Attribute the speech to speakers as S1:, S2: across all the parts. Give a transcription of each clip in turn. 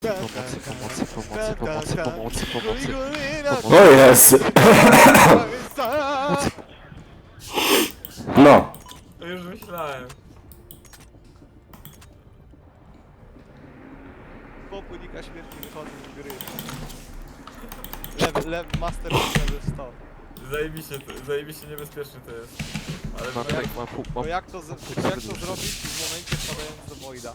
S1: Pomocy, pomocy, pomocy, pomocy, pomocy, pomocy.
S2: O jest! No.
S3: To już myślałem.
S4: Popłynika śmierci wychodzą z gry. Lewy master level 100.
S3: Zajebiście niebezpieczny to jest. Ale
S1: Ma
S3: no
S1: tutaj,
S3: jak,
S1: ma pół,
S4: Bo
S1: ma...
S4: jak to zrobić w momencie wpadając do Voida?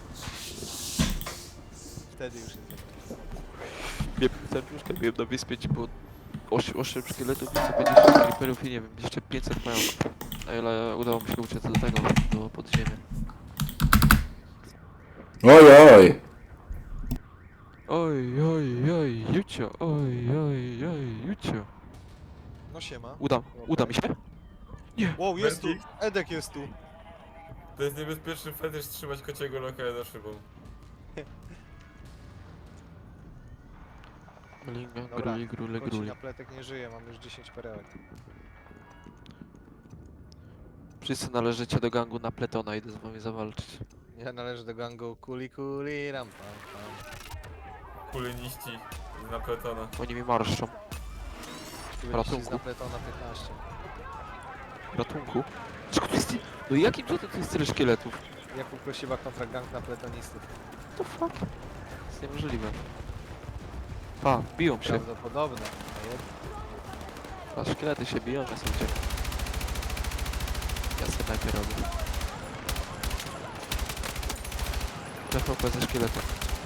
S4: Wtedy już jest.
S1: Wiem, serduszka byłem na wyspie, gdzie było 8 szkieletów i 150 creeperów i nie wiem, jeszcze 500 mają. Ale udało mi się uciec do tego, do podziemia.
S2: Oj, oj.
S1: Oj, oj, oj, Jucio, oj, oj, oj, Jucio.
S4: No siema.
S1: Uda mi się?
S4: Wow, jest tu!
S3: Vertix.
S4: Edek jest tu!
S3: to jest niebezpieczny fetysz trzymać kociego loka za szybą.
S1: Linga,
S4: Dobra,
S1: gruli, grule,
S4: Koci
S1: gruli.
S4: na pletek nie żyje, mam już 10 perełek.
S1: Wszyscy należycie do gangu na Pletona, idę z wami zawalczyć.
S4: Ja należę do gangu kuli ram pam pam.
S3: Kuleniści z Napletona.
S1: Oni mi marszczą. Ratunku.
S4: Z Napletona 15.
S1: Ratunku. Czego tu jest... No jakim cudem tu jest tyle szkieletów?
S4: Jakub Prosiła kontra gang napletonistów.
S1: What the fuck? To jest niemożliwe. Pa, biją się.
S4: Prawdopodobne.
S1: A szkielety się biją, ja sobie uciekam. Ja sobie najpierw robię. TVP ze szkieletem.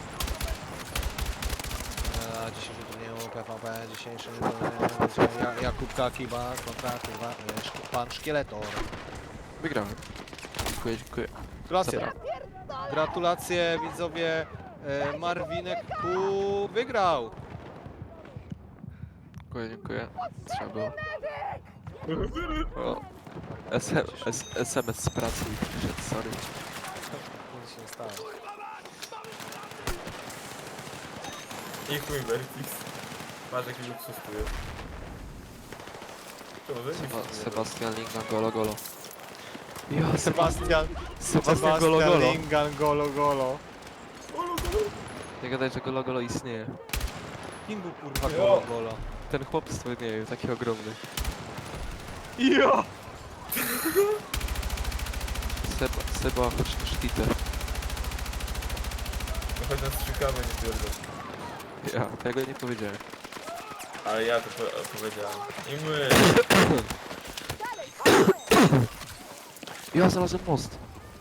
S4: Na dzisiejszym turnieju PvP, dzisiejszy Jakub Kakiba kontra kurwa, pan Szkieletor.
S1: Wygrałem. Dziękuję, dziękuję.
S4: Gratulacje.
S1: Dobra.
S4: Gratulacje widzowie. Marwinek Ku wygrał.
S1: Dziękuję, dziękuję. Trzeba było. O. SMS z pracy i przyszedł, sorry.
S4: Nic się nie stało.
S3: I chuj Vertix. Masz jaki luksus tu jest. To może
S1: Sebastian Lingan, golo, golo. Ja,
S4: Sebastian
S1: Golo, golo.
S4: Lingan Golo.
S1: Nie gadaj, że golo, golo istnieje.
S4: Kim był kurwa
S3: Jo.
S4: Golo?
S1: Ten chłopstwo, nie wiem, taki ogromny.
S4: Jo!
S1: Seba, chodź na sztitę.
S3: No chodź nas strzykamy, nie pierdol.
S1: Ja tego nie powiedziałem.
S3: Ale ja to powiedziałem. I my.
S1: Ja znalazłem most.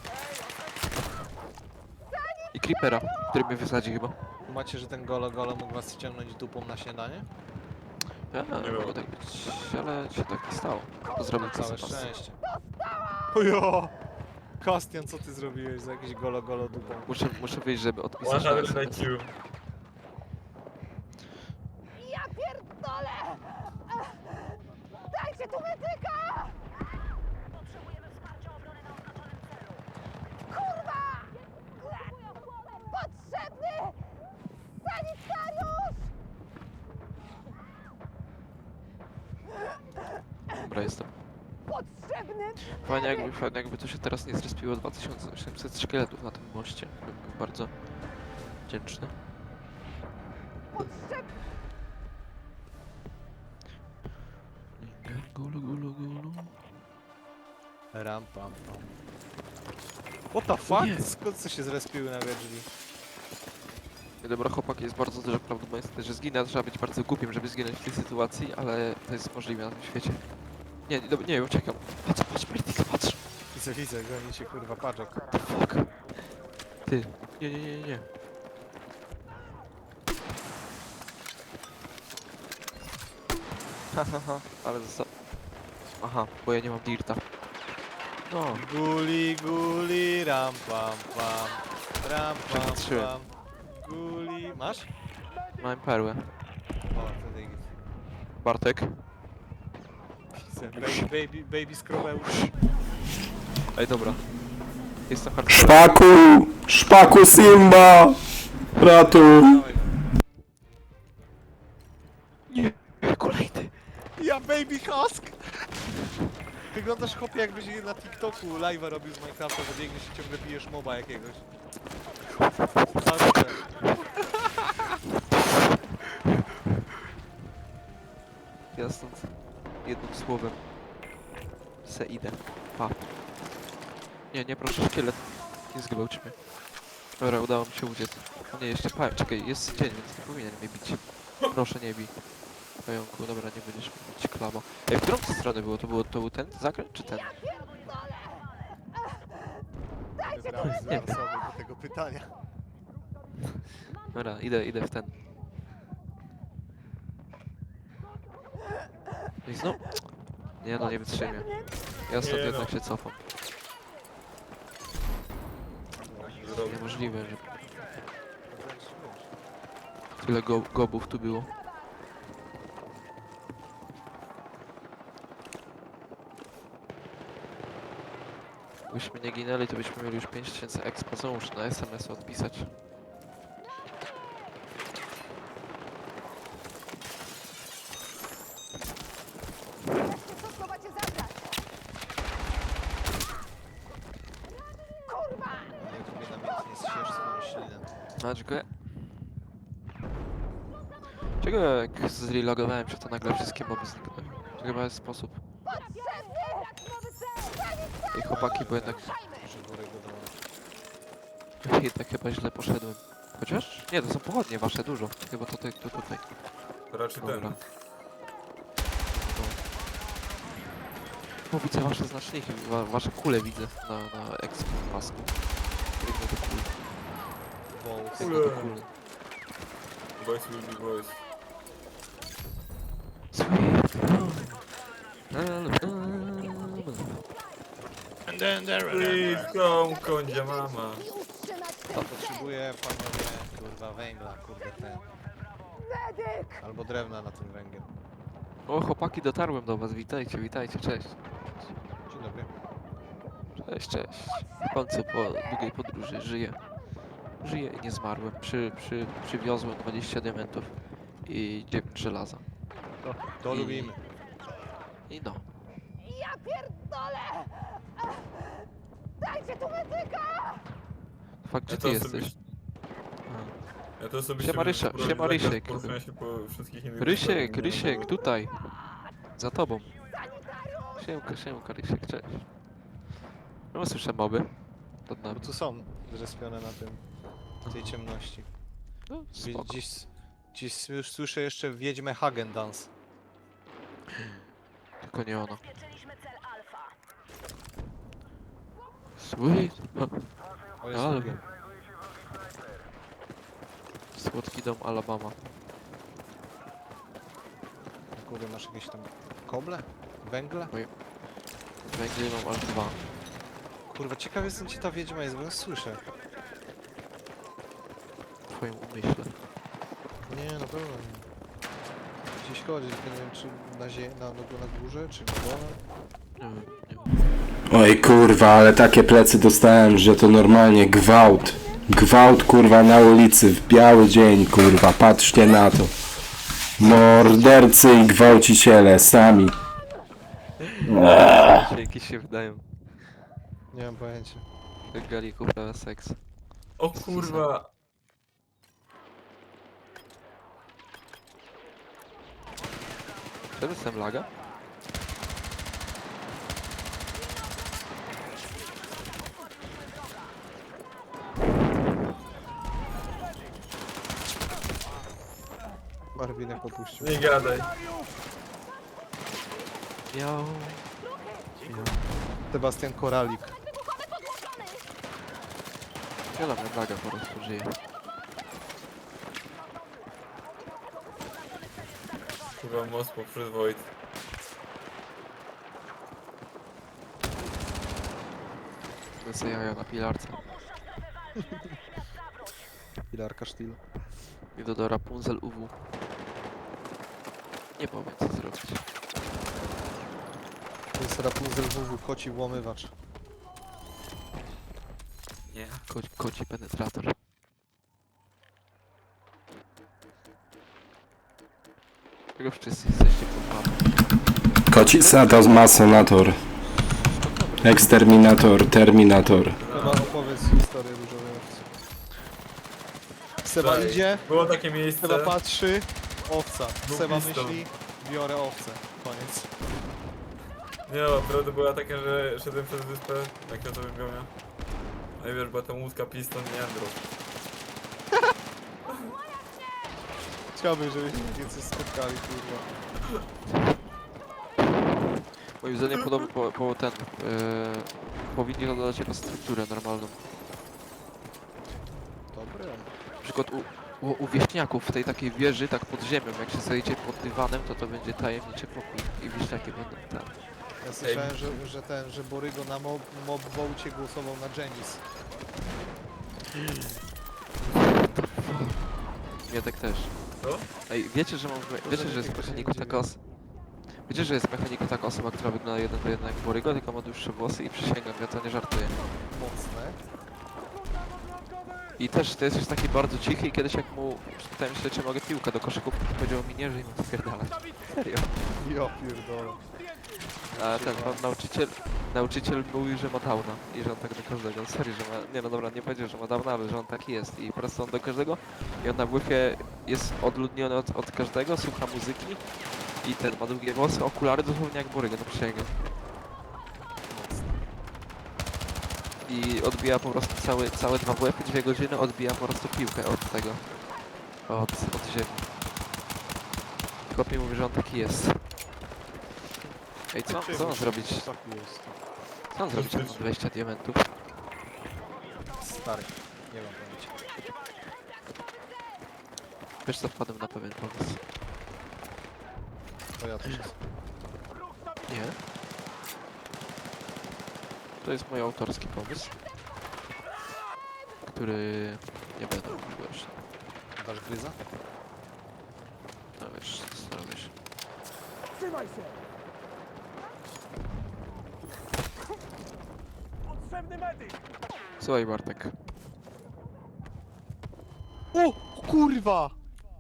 S1: I creepera, który mnie wysadzi chyba.
S4: Macie, że ten Golo mógł was ściągnąć dupą na śniadanie?
S1: Ja,
S3: Nie
S1: mogło
S3: było.
S1: tak być, ale się tak nie stało. Pozdrawiam
S4: Całe
S1: Sebastian.
S4: szczęście. Ojo! Kastian, co ty zrobiłeś za jakieś Golo dupą?
S1: Muszę wyjść, żeby odpisać na
S3: 100
S1: SMS.
S3: IQ.
S5: Ja pierdolę! Dajcie tu medyka! Potrzebujemy wsparcia obrony na oznaczonym celu. Kurwa! Potrzebny sanitariusz!
S1: Dobra, jestem.
S5: Potrzebny
S1: Fajnie jakby to się teraz nie zrespiło 2800 szkieletów na tym moście. Bym był bardzo wdzięczny.
S5: potrzebny
S1: Gulu, gulu, gulu.
S4: Ram pam pam. What the fuck?
S1: Nie.
S4: Skąd co się zrespiły nagle drzwi?
S1: Dobra, chłopaki, jest bardzo duże prawdopodobieństwo, że zginę. Trzeba być bardzo głupim, żeby zginąć w tej sytuacji, ale to jest możliwe na tym świecie. Nie, uciekam. Patrz, Mertika, patrz.
S4: Widzę, goni się kurwa paczok.
S1: The fuck? Ty. Nie. Hahaha, ale został. Aha, bo ja nie mam dirta. No,
S4: Guli, ram pam pam. Ram pam
S1: Przepatrzyłem.
S4: pam. Guli... Masz?
S1: mam perłę.
S4: O, wtedy git.
S1: Bartek.
S4: Widzę. Baby Skrobeusz.
S1: Ej, dobra. Jestem hardcore.
S2: Szpaku! Szpaku Simba! Ratuj!
S4: Dawaj go.
S1: Nie, kolejny.
S4: Ja Baby Husk! Wyglądasz chłopie jakbyś na TikToku live'a robił z Minecrafta, że biegniesz i ciągle bijesz moba jakiegoś. Zawsze.
S1: ja stąd jednym słowem se idę. Pa. Nie proszę, szkielet. Nie zgwałć mnie. Dobra, udało mi się uciec. O nie, jeszcze czekaj, jest dzień, więc nie powinien mnie bić. Proszę nie bij. Pająku, dobra, nie będziesz mnie bić, klamo. Ej, w którą stronę było? To był ten zakręt, czy ten?
S4: Wybrałeś
S1: Nie wiem.
S4: sobie do tego pytania.
S1: Dobra, idę w ten. No i znowu... Nie no, nie wytrzymię. Ja stąd
S3: Nie
S1: jednak
S3: no.
S1: się cofam. Niemożliwe, że tyle gobów tu było. Gdybyśmy nie ginęli, to byśmy mieli już 5000 expa. Co muszę na SMS odpisać?
S5: Co macie zabrać? Kurwa!
S4: Nie lubię namiętnie zsiesz swoją ślinę.
S1: No, dziękuję. Czego jak zrelogowałem się, to nagle wszystkie moby zniknęły? To chyba jest sposób.
S5: Potrzebny! Nowy cel!
S1: Ej, chłopaki, bo jednak...
S4: Że worek go dołączy.
S1: Jednak chyba źle poszedłem. Chociaż? Nie, to są pochodnie wasze, dużo. Chyba to tutaj.
S3: To raczej
S1: Dobra.
S3: ten.
S1: O, widzę wasze znaczniki, wasze kule widzę na expo pasku. Biegnę do kul.
S4: Bolt.
S1: Biegnę do kul.
S3: Boys will be boys. Please come, kondzia mama.
S5: I utrzymać
S4: Potrzebuję, panowie, kurwa, węgla, kurde, ten.
S5: medyk!
S4: Albo drewna na ten węgiel.
S1: O, chłopaki, dotarłem do was, witajcie, cześć.
S4: Dzień dobry.
S1: Cześć. W końcu po długiej podróży żyję. Żyję i nie zmarłem. Przywiozłem 20 diamentów i 9 żelaza.
S4: To
S1: I-
S4: lubimy.
S1: I no.
S5: Ja pierdolę! Dajcie tu medyka!
S1: Fakt, gdzie
S3: Ja
S1: ty
S3: to
S1: jesteś?
S3: osobiście... Ja to osobiście...
S1: Siema,
S3: będę
S1: Rysia,
S3: spróbować
S1: siema,
S3: zakaz
S1: Rysiek.
S3: poruszania się po wszystkich innych
S1: Rysiek, tutaj. Za tobą. Siemka, Rysiek, cześć. No słyszę moby. Pod
S4: Bo
S1: nami.
S4: tu są zrespione na tym, w tej ciemności.
S1: No, spoko.
S4: Dziś już słyszę jeszcze Wiedźmę Hagen Dance.
S1: Tylko nie ona.
S5: Zabezpieczyliśmy cel Alfa.
S1: Sweet.
S4: O, jest
S1: Ale-
S4: drugie.
S1: Słodki dom Alabama.
S4: Kurde, masz jakieś tam koble? Węgle?
S1: Węgiel mam aż 2.
S4: Kurwa, ciekaw jestem, gdzie ta Wiedźma jest, bo ją słyszę.
S1: W twoim umyśle.
S4: Nie, na pewno nie. Gdzieś chodzi, tylko nie wiem, czy na górze, czy na dole.
S1: Nie wiem.
S2: Oj kurwa, ale takie plecy dostałem, że to normalnie gwałt. Gwałt kurwa na ulicy w biały dzień kurwa, patrzcie na to. Mordercy i gwałciciele sami.
S1: Jakieś się wydają.
S4: Nie mam pojęcia.
S1: Jak Galiku uprawia seks.
S3: O kurwa!
S1: Czy jestem laga?
S4: Barwinek popuścił.
S3: Nie gadaj.
S1: Miał.
S4: Sebastian Koralik.
S5: Wybuchowy podłączony!
S1: Ja dla mnie laga po prostu żyje.
S3: Kurwa, most poprzyzwoit.
S1: Lecę jaja na pilarce.
S4: Pilarka Sztil.
S1: Idę do Rapunzel UW. Nie powiem co zrobić.
S4: To jest Rapunzel WW, koci włamywacz.
S3: Nie.
S1: Koci penetrator. Czego wszyscy jesteście pod mapą?
S2: Kocisa masonator. Eksterminator, terminator.
S4: Chyba opowiedz historię różowej owcy. Seba
S3: Tak.
S4: idzie,
S3: Było takie miejsce.
S4: Seba patrzy, owca.
S3: Był
S4: Seba
S3: pistol.
S4: myśli, biorę owce. Koniec.
S3: Nie no, prawda była taka, że szedłem przez wyspę na kwiatowym biomie. No i wiesz, była tam łódka Piston i Andrew.
S4: Chciałbym, żebyśmy więcej spotkali, kurwa.
S1: Moim zdaniem podobno powinni dodać jako strukturę normalną.
S4: Dobre.
S1: Na przykład u wieśniaków w tej takiej wieży, tak pod ziemią, jak się zejdzie pod dywanem, to będzie tajemniczy pokój i wieśniaki będą tam.
S4: Ja słyszałem, że Borygo na mob vołcie głosował na Genis.
S1: Mietek też.
S3: Co?
S1: Ej, wiecie, że jest mechaniko taka Wiecie, że jest mechaniko taka osoba, która wygląda 1 do 1 jak Borygo, tylko ma dłuższe włosy i przysięgam, ja to nie żartuję.
S4: Mocne.
S1: I też to jest już taki bardzo cichy i kiedyś jak mu pytałem się, czy mogę piłkę do koszyków, powiedział mi nie, że im spierdalać. Serio.
S4: Ja pierdolę.
S1: A ten pan nauczyciel mówił, że ma downa i że on tak do każdego. Serio, że ma. Nie no dobra, nie powiedział, że ma downa, ale że on taki jest. I po prostu on do każdego. I on na WF-ie jest odludniony od każdego, słucha muzyki i ten ma długie włosy, okulary dosłownie jak Borygo, no przysięgam. I odbija po prostu całe 2 WF-y, 2 godziny, odbija po prostu piłkę od tego. Od ziemi. Chłop mi mówi, że on taki jest. Ej, co on zrobić?
S4: Taki jest.
S1: Co on zrobić, jak ma 20 diamentów?
S4: Stary. Nie mam pojęcia.
S1: Wiesz co, wpadłem na pewien pomysł.
S4: To ja też jest.
S1: Nie? To jest mój autorski pomysł, który nie będę mówił jeszcze.
S4: Dasz gryza?
S1: No wiesz, zastanowię się.
S6: Trzymaj się! Potrzebny medyk!
S1: Słuchaj Bartek,
S4: O! Kurwa!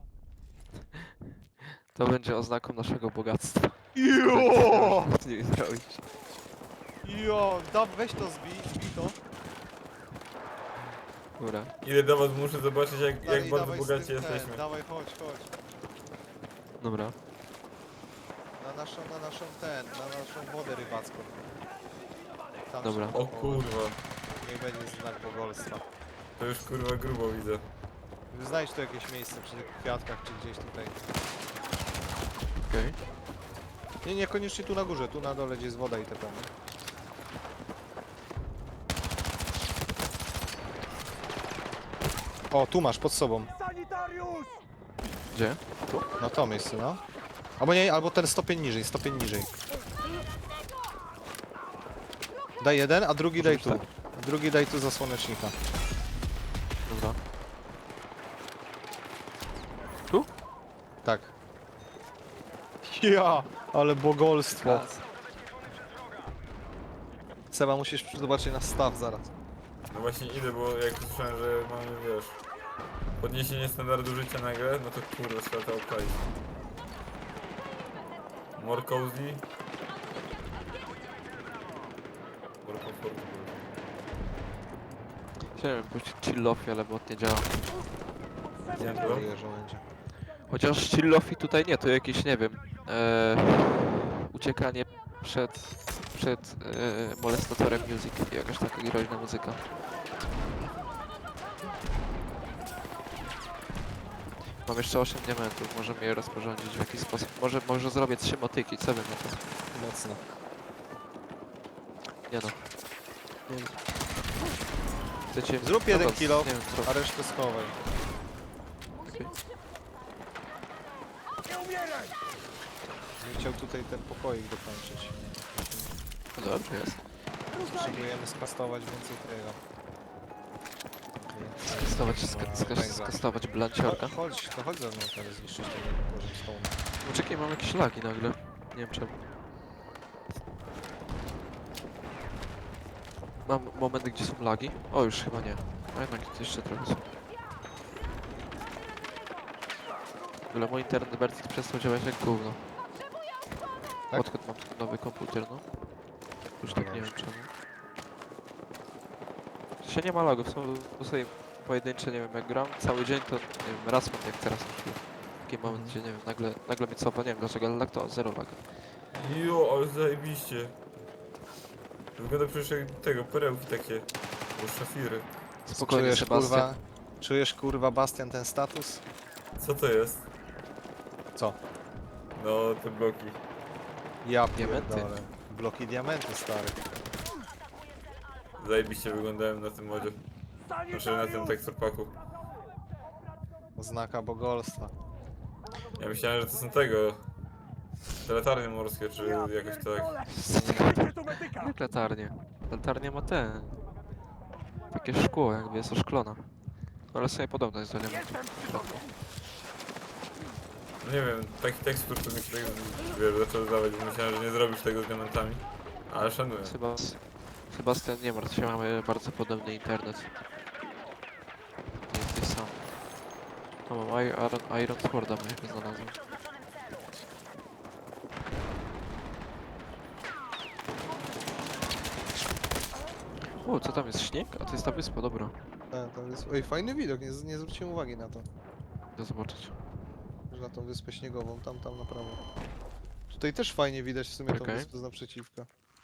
S1: to będzie oznaką naszego bogactwa.
S4: Jo!
S1: Z nimi zrobić.
S4: Jo! Weź to zbij to.
S1: Dobra.
S3: Idę do was, muszę zobaczyć jak
S4: Dalej,
S3: bardzo
S4: dawaj z
S3: bogaci
S4: tym
S3: jesteśmy.
S4: Dawaj, chodź.
S1: Dobra.
S4: Na naszą wodę rybacką. Tam
S1: Dobra.
S4: się-
S3: O kurwa,
S4: Niech będzie znak bogolstwa.
S3: to już kurwa grubo widzę.
S4: Znajdź tu jakieś miejsce przy tych kwiatkach, czy gdzieś tutaj.
S1: Okej.
S4: Nie, niekoniecznie tu na górze, tu na dole, gdzie jest woda i te plany. O, tu masz, pod sobą.
S6: Sanitariusz!
S1: Gdzie?
S4: No to miejsce, no. Albo nie, albo ten stopień niżej. Daj jeden, a drugi daj tu.
S1: tak.
S4: Drugi daj tu za słonecznika.
S1: Dobra.
S4: Tak. Ja, ale bogolstwo. Seba, musisz zobaczyć na staw zaraz.
S3: No właśnie idę, bo jak słyszałem, że mamy, wiesz, podniesienie standardu życia nagle, no to kurwa świata obczaić. More cozy. More comfortable.
S1: Chciałem puścić chillofi, ale bot nie działa.
S3: Nie, to?
S4: Żałuję, że będzie.
S1: Chociaż chillofi tutaj nie, to jakieś, nie wiem, uciekanie przed molestatorem music, jakaś taka groźna muzyka. Mam jeszcze 8 diamentów, możemy je rozporządzić w jakiś sposób. Może zrobię 3 motyki, co bym na to?
S4: Mocno.
S1: Nie no. Nie. Chcecie...
S4: Zrób jeden
S1: Dobra,
S4: kilo,
S1: Nie wiem,
S4: a resztę schowaj.
S1: okej.
S6: Nie umieraj!
S4: Nie chciał tutaj ten pokoik dokończyć.
S1: No dobrze jest.
S4: Potrzebujemy skastować więcej tego.
S1: Skastować blanciorka.
S4: Chodź ze mną teraz zniszczyć ten poziom stołu.
S1: Poczekaj, mam jakieś lagi nagle. Nie wiem czemu. Mam momenty, gdzie są lagi. O, już chyba nie. A jednak jeszcze trochę są. W ogóle mój internet Vertix przestał działać jak gówno.
S4: Tak?
S1: Odkąd mam ten nowy komputer, no. Już tak nie wiem czemu. Się nie ma lagów, są sobie pojedyncze, nie wiem, jak gram cały dzień, to nie wiem, raz mam jak teraz na chwilę. taki moment, gdzie nie wiem, nagle mnie cofa, nie wiem dlaczego, ale tak to, zero lag.
S3: Jo, ale zajebiście. Wygląda przecież jak tego, perełki takie. Bo szafiry.
S1: Spokojnie,
S4: Czujesz
S1: Sebastian.
S4: kurwa, czujesz kurwa Bastian ten status?
S3: Co to jest?
S4: Co?
S3: No, te bloki.
S4: Ja
S1: Diamenty.
S4: pierdolę. Bloki diamenty, stary.
S3: Zajebiście wyglądałem na tym modzie. Znaczy na tym teksturpaku.
S4: Oznaka bogolstwa.
S3: Ja myślałem, że to są tego... Te latarnie morskie, czy jakoś tak.
S6: Dajcie tu medyka!
S1: Jak latarnie? Latarnia ma te... Takie szkło, jakby jest oszklona. Ale sobie podobno jest do niego.
S3: No nie wiem, taki tekstur to mi się tak, wiesz, zaczął zdawać, bo myślałem, że nie zrobisz tego z diamentami. Ale szanuję.
S1: Sebastian, nie martw się, mamy bardzo podobny internet. Nie jesteś sam. O, mam Iron Sworda, my znalazłem. O, co tam jest? Śnieg? A to jest ta wyspa, dobra.
S4: To jest... Oj, fajny widok, nie zwróciłem uwagi na to.
S1: Idę zobaczyć.
S4: Że na tą wyspę śniegową, tam na prawo. Tutaj też fajnie widać w sumie tą
S1: Okej.
S4: wyspę z naprzeciwka.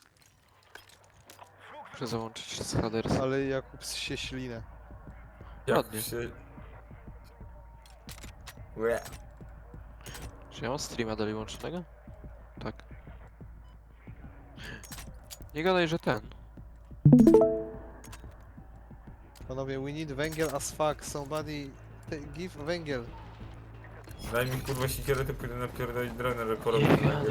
S1: Muszę załączyć z Hadersa.
S4: Ale Jakub się ślinę.
S3: Jak
S1: Ładnie.
S3: się... Łe.
S1: Czy ja mam streama dalej łączonego? Tak. Nie gadaj, że ten.
S4: Panowie, we need węgiel as fuck. Somebody give węgiel.
S3: Daj mi kurwa sikierę, to pójdę napierdolić dronę, że porobię węgiel.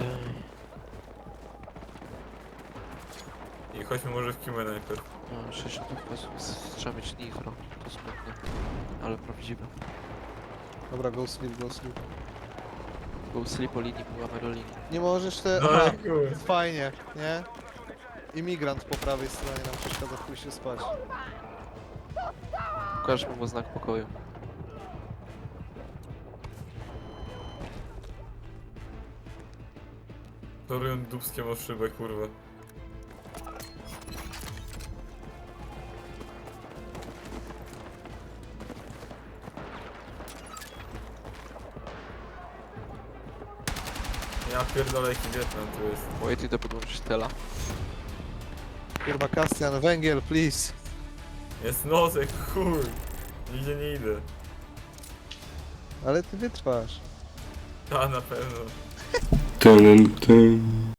S3: I chodźmy może w Kimę najpierw.
S1: No, 60 FPS, trzeba mieć nitro. To smutne. Ale prawdziwe.
S4: Dobra, go sleep, go sleep.
S1: Był sleep o linii, była merolini.
S4: Nie możesz te...
S3: No
S4: Aha,
S3: kurwa.
S4: fajnie, nie? Imigrant po prawej stronie nam przeszkadza w pójściu spać.
S1: Pokażmy mu znak pokoju.
S3: Torują dubskiem o szybę, kurwa. Ja pierdolę jaki Wietnam tu jest.
S1: Wait, idę podłączyć tela.
S4: Kurwa, Kastian, węgiel, please.
S3: Jest noc jak chuj. Nigdzie nie idę.
S4: Ale ty wytrwasz.
S3: A na pewno.
S2: Tyn, tyn.